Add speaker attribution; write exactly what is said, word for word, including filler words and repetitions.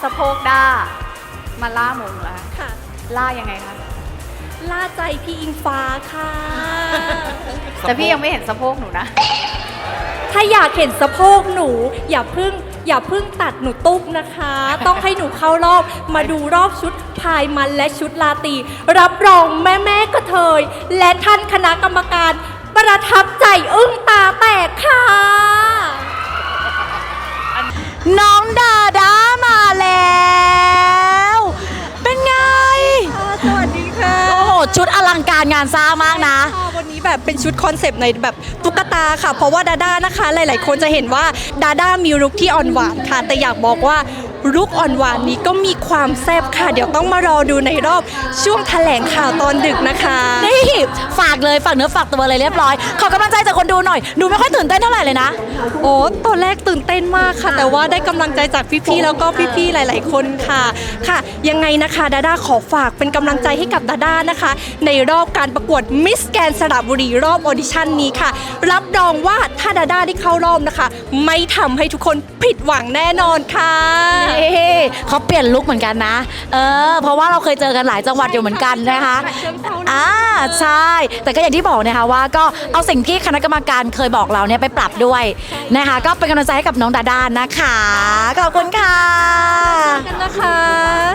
Speaker 1: สะโพกด้ามาล่ามงแล้ว
Speaker 2: ค่ะ
Speaker 1: ล่ายังไงคะ
Speaker 2: ล่าใจพี่อิงฟ้าค่ะ
Speaker 1: แต่พี่ยังไม่เห็นสะโพกหนูนะ
Speaker 2: ถ้าอยากเห็นสะโพกหนู อย่าเพิ่งอย่าเพิ่งตัดหนูตุ๊กนะคะ ต้องให้หนูเข้ารอบมาดูรอบชุดพายมันและชุดลาตรีรับรองแม่แม่กระเทย และท่านคณะกรรมการประทับใจอึ้งตาแตกค่ะ
Speaker 3: น้องดาด้ามาแล้ว เป็นไง
Speaker 2: สวัสดีค่ะ
Speaker 3: โอ้โห ชุดอลังการงานสร้างมากนะ
Speaker 2: วันนี้แบบเป็นชุดคอนเซปต์ในแบบตุ๊กตาค่ะ เพราะว่าดาด้านะคะ หลาย ๆ คนจะเห็นว่าดาด้ามีลุคที่อ่อนหวานค่ะ แต่อยากบอกว่าลุคอ่อนหวานนี้ก็มีความแซ่บค่ะ เดี๋ยวต้องมารอดูในรอบช่วงแถลงข่าวตอนดึกนะคะ
Speaker 3: นี่ฝากเลยฝากเนื้อฝากตัวเลยเรียบร้อย ขอกำลังใจจากคนดูหน่อย ดูไม่ค่อยตื่นเต้นเท่าไหร่เลยนะ
Speaker 2: โอ้ตอนแรกตื่นเต้นมากค่ะ แต่ว่าได้กำลังใจจากพี่ๆแล้วก็พี่ๆหลาย ๆ คนค่ะค่ะ ยังไงนะคะดาด้าขอฝากเป็นกำลังใจให้กับดาด้านะคะ ในรอบการประกวดมิสแกรนด์สระบุรีรอบออดิชั่นนี้ค่ะ รับรองว่าถ้าดาด้าได้เข้ารอบนะคะ ไม่ทำให้ทุกคนผิดหวังแน่นอนค่ะ
Speaker 3: เอ๊ะเขาเปลี่ยนลุคเหมือนกันนะ เออ เพราะว่าเราเคยเจอกันหลายจังหวัดอยู่เหมือนกันนะคะ อ่า ใช่ แต่ก็อย่างที่บอกนะคะว่าก็เอาสิ่งที่คณะกรรมการเคยบอกเราเนี่ยไปปรับด้วยนะคะ ก็เป็นกำลังใจให้กับน้องดาด้านะคะ ขอบคุณค่ะ
Speaker 2: กันนะคะ